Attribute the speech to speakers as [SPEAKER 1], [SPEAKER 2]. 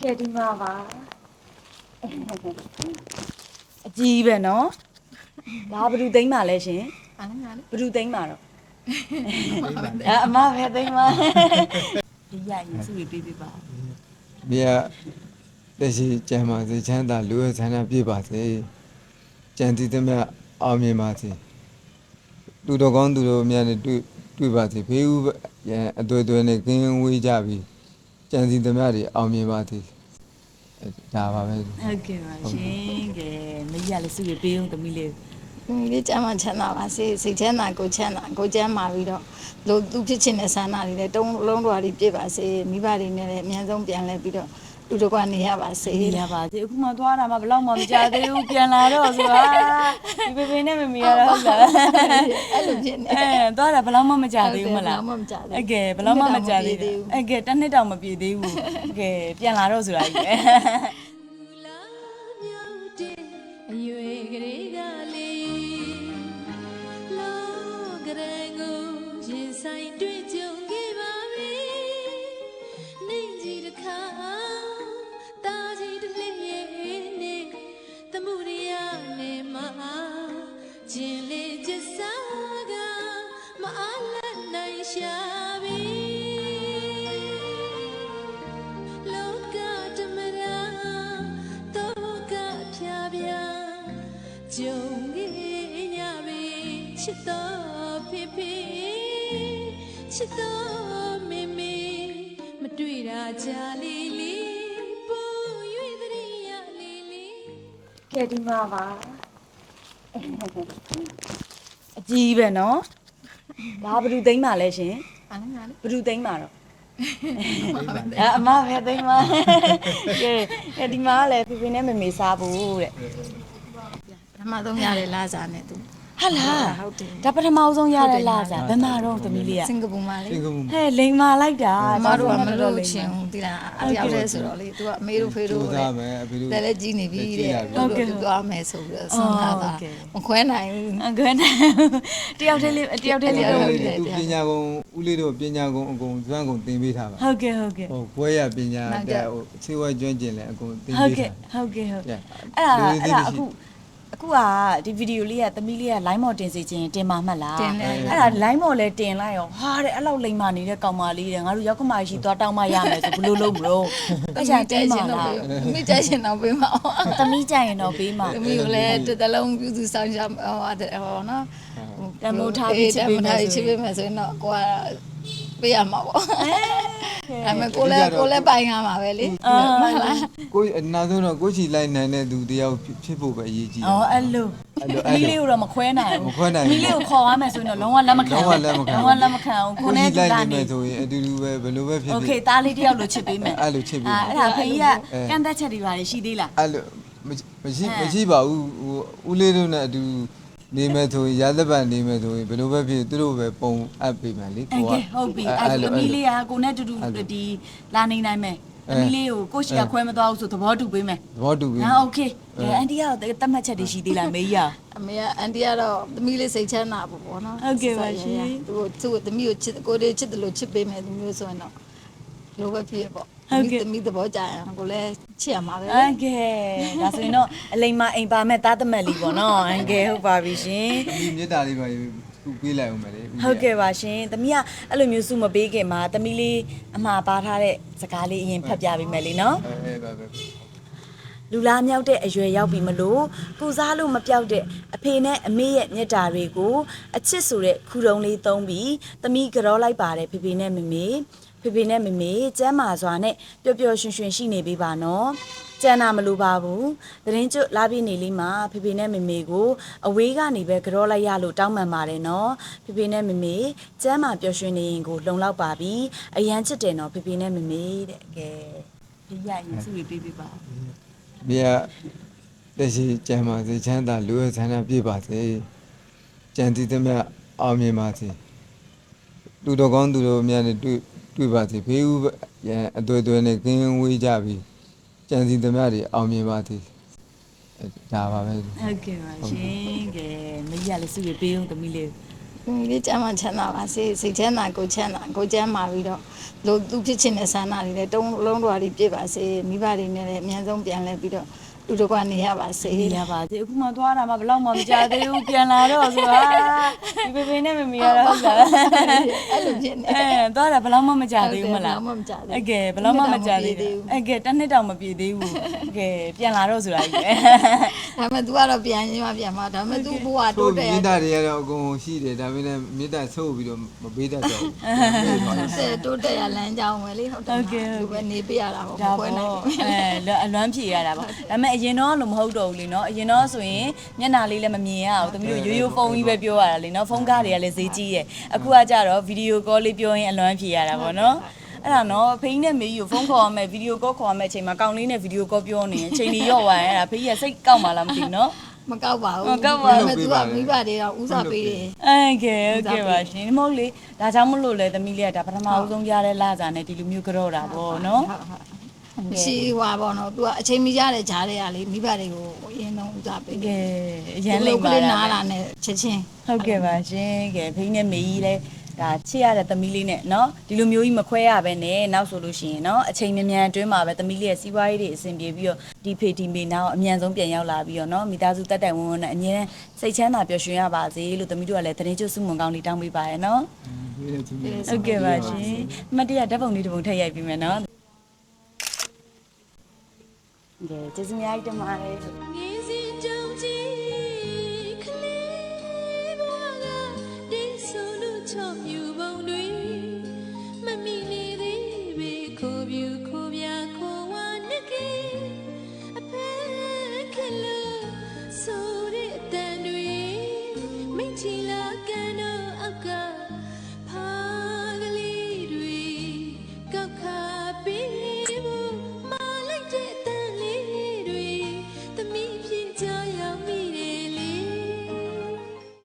[SPEAKER 1] ကဲဒီမှာပါအကြီးပဲနော်ဒါဘယ်သူသိမ်းပါလဲရှင်ဘယ်သူသိမ်းပါတော့အမပဲသိမ်းပါဒီရရင်စုပြီးပေးပါ
[SPEAKER 2] မြတ်တရှိကျမ်းပါစေချမ်းသာလူရဲ့ဆန္ဒပြည့်ပါစေကြံတည်သမျှအောင်မြင်ပါစေသူတော်ကောင်းသူတော်များနဲ့တွေ့ပါစေဖေးဦးအတွေ့အကြုံနဲ့ကင်းဝေးကြပြီးကြံတည်သမျှတွေအောင်မြင်ပါစေဒါပါပဲ
[SPEAKER 1] ဟုတ်ကဲ့ပါရှင်ကဲမကြီးကလည်းစုပြီးပေးအောင်သမီးလေး
[SPEAKER 3] ဒီကျမ်းမှာချမ်းသာပါစေစိတ်ချမ်းသာကိုချမ်းသာကိုကျမ်းမာပြီးတော့လို့သူဖြစ်ချင်တဲ့ဆန္ဒတွေလည်းတုံးလုံးတော်တွေပြည့်ပါစေမိဘတွေနဲ့လည်းအများဆုံးပြန်လဲပြီးတော့လူတို့ကနေရပါစေ
[SPEAKER 1] ရပါစေအခုမှသွားတာမှဘယ်တော့မှမကြသေးဘူးပြန်လာတော့ဆိုတာဒီပေပေနဲ့မမီရတော့ဟုတ်လား
[SPEAKER 3] အဲ့လိုဖြစ်နေ
[SPEAKER 1] သွားတာဘယ်တော့မှမကြသေးဘူးမလား
[SPEAKER 3] ဘယ်တော့မှမကြသေးဘူး
[SPEAKER 1] အကဲဘယ်တော့မှမကြသေးဘူးအကဲတစ်နှစ်တောင်မပြည့်သေးဘူးအကဲပြန်လာတော့ဆိုတာကြီးပဲ
[SPEAKER 4] အရွယ်ကလေးကလေးလောကရန်ကိုရင်ဆိုင်တွေ့ကြုံခဲ့ပါပြီနေကြီးတစ်ခါတာကြီးတစ်လေးရဲ့နေတမှုရရနေမှာကျင်လေးကျစားကမအားလက်နိုင်ရှာပြီလောကတမရာတော့ကဖြာဖြာကြုံခဲ့ညပြီချစ်တော်ဖေဖေချစ်တော်မေမေမတွေ့တာကြာလေးလေးပူ၍တရိယာလေးလေး
[SPEAKER 1] ကဲဒီမှာပါအကြီးပဲနော်ဒါဘယ်သူသိမ်းပါလဲရှင်ဘယ်သူသိမ်းပါတော့အမပဲသိမ်းပါကဲဒီမှာလည်းဖေဖေနဲ့မေမေစားဖို့တဲ့
[SPEAKER 3] ပထမဆုံးရတဲ့လာစားနဲ့သူ
[SPEAKER 1] ဟာလား
[SPEAKER 3] ဟုတ်တယ်
[SPEAKER 1] ဒါပထမဆုံးရတဲ့လာစားဘယ်မှာတော့သမီးလေးက
[SPEAKER 3] စင်ကာပူမှာလေ
[SPEAKER 2] စင်ကာပူ
[SPEAKER 1] ဟဲ့လိန်မာလိုက်တာ
[SPEAKER 3] မတို့ကမလို့ချင်းဒီလားအတယောက်တည်းဆိုတော့လေသူကအမေတို့ဖေတို့
[SPEAKER 2] ကြိုးစားမယ်အဖေတို့
[SPEAKER 3] တယ်လည်းကြီးနေပြီတဲ့ဟုတ်ကဲ့သွားမယ်ဆိုပြီးတော့ဆုံးထားတာမခွဲနိုင်ဘူး
[SPEAKER 1] ခွဲနိုင်တယောက်တည်းလေး
[SPEAKER 2] သူပညာကုံဦးလေးတို့ပညာကုံအကုန်ကျွမ်းကုန်သင်ပေးထားပါ
[SPEAKER 1] ဟုတ်ကဲ့ဟုတ်ကဲ့
[SPEAKER 2] ဟိုဘွဲရပညာတဲ့ဟိုခြေဝဲကျွမ်းကျင်လဲအကုန်သင်ပေးထား
[SPEAKER 1] ဟုတ်ကဲ့အဲ့ဒါအခုကဒီဗီဒီယိုလေးကသမီးလေးက line မော်တင်စီခြင်းတင်ပါမှတ်လားအဲ့ဒါ line မော်လဲတင်လိုက်ရောဟာတဲ့အဲ့လောက်လိမ္မာနေတဲ့ကောင်မလေးတဲ့ငါတို့ရောက်ခမရှိသွားတောင်းမရမယ်ဆိုဘလို့လုံးမလို့အဲ့ဒါတင်းပါလား
[SPEAKER 3] မိကြရှင်တော့ပေးမှာ
[SPEAKER 1] သမီးကြရင်တော့ပေးမှာ
[SPEAKER 3] သမီးကိုလည်းတစ်တလုံးပြုစုဆောင်ရဟိုနော်
[SPEAKER 1] တမိုးထားပြီးချစ်ပေး
[SPEAKER 3] မယ်ဆိုရင်တော့ကိုကပေးရမှာပေါ့အဲ့မဲ့ကိုလည်းပိုင်ရမှာပဲလေမှန်လား
[SPEAKER 2] ကိုအနာဆုံးတော့ကိုချီလိုက်နိုင်တဲ့သူတယောက်ဖြစ်ဖို့ပဲအရေးကြီးတယ်
[SPEAKER 1] အဲ့လိုမီးလေးကိုတော့မခွဲနိုင်ဘူးမီးလေးကိုခေါ်ရမယ်ဆိုရင်တော့လုံးဝလက်မခံ
[SPEAKER 2] လုံးဝလက်မခံ
[SPEAKER 1] ဘူးကိုနဲ့
[SPEAKER 2] တူတာနေဆိုရင်အတူတူပဲဘယ်လိုပဲဖြစ်ဖြစ်
[SPEAKER 1] โอเคသားလေးတယောက်လိုချစ်ပေးမယ်
[SPEAKER 2] အဲ့လိုချစ်ပေး
[SPEAKER 1] အဲ့ဒါဖေးကကန့်သက်ချက်တွေပါရှိသေးလား
[SPEAKER 2] အဲ့လိုမရှိပါဘူးဟိုဦးလေးတို့နဲ့အတူနေမယ်ဆိုရင်ရသက်ပံနေမယ်ဆိုရင်ဘယ်လိုပဲဖြစ်သူတို့ပဲပုံအပ်ပေးမယ်လေ
[SPEAKER 1] ကိုကဟုတ်ပြီအဲ့လိုအမီလေးကကိုနဲ့တူတူဒီလာနေနိုင်မယ်အမီလေးကိုကိုရှိကခွဲမသွားဘူးဆိုသဘောတူပေးမယ်
[SPEAKER 2] သဘောတူပေး
[SPEAKER 1] ဟာโอเคအန်တီကတော့တတ်မှတ်ချက်တွေရှိသေးလားမေးရ
[SPEAKER 3] အမေကအန်တီကတော့သမီးလေးစိတ်ချမ်းသာဖို့ပေါ့နော်
[SPEAKER 1] ဟုတ်ကဲ့ပါရှင်
[SPEAKER 3] သူသမီးကိုချစ်ကိုလေးချစ်တယ်လို့ချစ်ပေးမယ်သူမျိုးဆိုရင်တော့လိုပဲဖြစ်ပေါ့သမီးသဘောကြရင်ကိုလည်းချစ်ရမှာပဲ
[SPEAKER 1] โอเคဒါဆိုရင်တော့အလိမ္မာအိမ်ပါမဲ့သားသမက်လေးပေါ့နော်အန်ကယ်ဟုတ်ပါပြီရှင်
[SPEAKER 2] ဒီမြေတားလေးပါသူပေးလိုက်အောင်မယ်လေ
[SPEAKER 1] ဟုတ်ကဲ့ပါရှင်သမီးကအဲ့လိုမျိုးစုမပေးခင်မှာသမီးလေးအမှားပါထားတဲ့စကားလေးအရင်ဖတ်ပြပေးမယ်လေနော်
[SPEAKER 2] ပါပဲ
[SPEAKER 1] လူလားမြောက်တဲ့အရွယ်ရောက်ပြီမလို့ကုစားလို့မပြောက်တဲ့အဖေနဲ့အမေရဲ့မျက်တာတွေကိုအချစ်ဆိုတဲ့ခူတုံးလေးသုံးပြီးသမီးကြောလိုက်ပါတယ်ဖေဖေနဲ့မေမေကျမ်းမာစွာနဲ့ပျော်ပျော်ရွှင်ရွှင်ရှိနေပေးပါနော်ကျန်တာမလိုပါဘူးသတင်းကျွတ်လာပြည့်နေလေးမှာဖေဖေနဲ့မေမေကိုအဝေးကနေပဲကြောလိုက်ရလို့တောင်းပန်ပါတယ်နော်ဖေဖေနဲ့မေမေကျမ်းမာပျော်ရွှင်နေရင်ကိုလုံလောက်ပါပြီအရန်ချစ်တယ်နော်ဖေဖေနဲ့မေမေတဲ့ကဲဖေရရင်စုပြီးပေးပါ
[SPEAKER 2] မြတ်တရှိကျမ်းပါစေချမ်းသာလူရဲ့ဆန္ဒပြည့်ပါစေကြံတည်သမျှအောင်မြင်ပါစေလူတော်ကောင်းသူတော်များနဲ့တွေ့ပါစေဖေးဦးအတွေ့အကြုံနဲ့ကင်းဝေးကြပြီးကြံစီသမျှတွေအောင်မြင်ပါစေဒါပါပဲ
[SPEAKER 1] ဟုတ်ကဲ့ပါရှင်ကဲမကြီးကလည်းစုပြီးပေးအောင်သမီးလေး
[SPEAKER 3] မိလေးကျမ်းမှချမ်းသာပါစေစိတ်ချမ်းသာကိုချမ်းသာကိုကျမ်းမာပြီးတော့လို့သူဖြစ်ချင်တဲ့ဆန္ဒတွေလည်းတုံးလုံးတော်တွေပြည့်ပါစေမိဘတွေနဲ့လည်းအများဆုံးပြန်လဲပြီးတော့တူတကွနေရပါစေ
[SPEAKER 1] နေရပါသေးအခုမှသွားတာမှဘယ်တော့မှမကြသေးဘူးပြန်လာတော့ဆိုတာဒီပေပေနဲ့မမီရတော့ဟုတ်လား
[SPEAKER 3] အဲ့လိုဖြစ်နေ
[SPEAKER 1] သွားတာဘယ်တော့မှမကြသေးဘူးမလား
[SPEAKER 3] ဘယ်တော့မှမကြသေးဘူး
[SPEAKER 1] အကယ်ဘယ်တော့မှမကြသေးဘူးအကယ်တစ်နှစ်တောင်မပြည့်သေးဘူးအကယ်ပြန်လာတော့ဆိုတာကြီးပဲ
[SPEAKER 3] ဒါပေမဲ့ तू ကတော့ပြန်ရင်းမှပြန်မှာဒါပေမဲ့ तू ဘဝတိုးတက်ရ
[SPEAKER 2] မေတ္တာတွေကတော့အကုန်ရှိတယ်ဒါပေမဲ့မေတ္တာဆုပ်ပြီးတော့မပေးတတ်တော့ဘူး
[SPEAKER 3] တိုးတက်ရလမ်းကြောင်းပဲလေဟုတ်တယ်သူပဲနေပြရတာပေါ့
[SPEAKER 1] ဒါ
[SPEAKER 3] ပွဲ
[SPEAKER 1] ပေါ့
[SPEAKER 3] နိုင်
[SPEAKER 1] အလွမ်းဖြေရတာပေါ့ဒါပေမဲ့အရင်တော့လို့မဟုတ်တော့ဘူးလေနော်အရင်တော့ဆိုရင်မျက်နှာလေးလည်းမမြင်ရဘူးတမျိုးရိုးရိုးဖုန်းကြီးပဲပြောရတာလေနော်ဖုန်းကားတွေကလည်းဈေးကြီးရဲ့အခုကကြတော့ဗီဒီယိုကောလေးပြောရင်အလွမ်းဖြေရတာပေါ့နော်အဲ့ဒါနော်ဖေးနဲ့မေကြီးကိုဖုန်းခေါ်ရမယ်ဗီဒီယိုကောခေါ်ရမယ်အချိန်မှာကောင်းလေးနဲ့ဗီဒီယိုကောပြောနေရင်အချိန်ကြီးရော့သွားရင်အဲ့ဒါဖေးကြီးကစိတ်ကောက်မှလားမသိဘူးနော်
[SPEAKER 3] မကောက်ပါဘူး
[SPEAKER 1] မကောက်ပါဘူး
[SPEAKER 3] ဒါပေမဲ့ तू ကမိဘတွေတော့ဦးစားပေးတယ်
[SPEAKER 1] အဲ့ကဲโอเคပါရှင်မဟုတ်လေဒါကြောင့်မလို့လေသမီးလေးကဒါပထမဦးဆုံးရတဲ့လာစာနဲ့ဒီလိုမျိုးကြော့တာပေါ့နော်
[SPEAKER 3] ရှိဟွာပေါ့နော် तू ကအချိန်မီရတဲ့ဂျားတွေကလေမိဘတွေကိုအရင်ဆုံးဦးစားပေး
[SPEAKER 1] ကဲအရန်လိမ့်ပါ
[SPEAKER 3] ကလေး
[SPEAKER 1] လား
[SPEAKER 3] နားလာနဲ့ချက်ချင်း
[SPEAKER 1] ဟုတ်ကဲ့ပါရှင်ကဲဖိနဲ့မေကြီးလဲဒါချစ်ရတဲ့သမီးလေးနဲ့เนาะဒီလိုမျိုးကြီးမခွဲရပဲနဲ့နောက်ဆိုလို့ရှိရင်เนาะအချိန်မြန်မြန်အတွင်းမှာပဲသမီးလေးရဲ့စီးပွားရေးတွေအဆင်ပြေပြီးတော့ဒီဖေဒီမေနောက်အမြန်ဆုံးပြန်ရောက်လာပြီးတော့เนาะမိသားစုတက်တိုင်ဝန်းဝန်းနဲ့အမြဲတမ်းစိတ်ချမ်းသာပျော်ရွှင်ရပါစေလို့သမီးတို့ကလည်းသတင်းကျွတ်စုမွန်ကောင်းလေးတောင်းပေးပါရယ်เนาะဟုတ်ကဲ့ပါရှင်အမတ်တရဓာတ်ပုံလေးတစ်ပုံထည့်ရိုက်ပြီးမယ်เนาะကဲကျေးဇူးများကြီးတင်ပါတယ်
[SPEAKER 4] င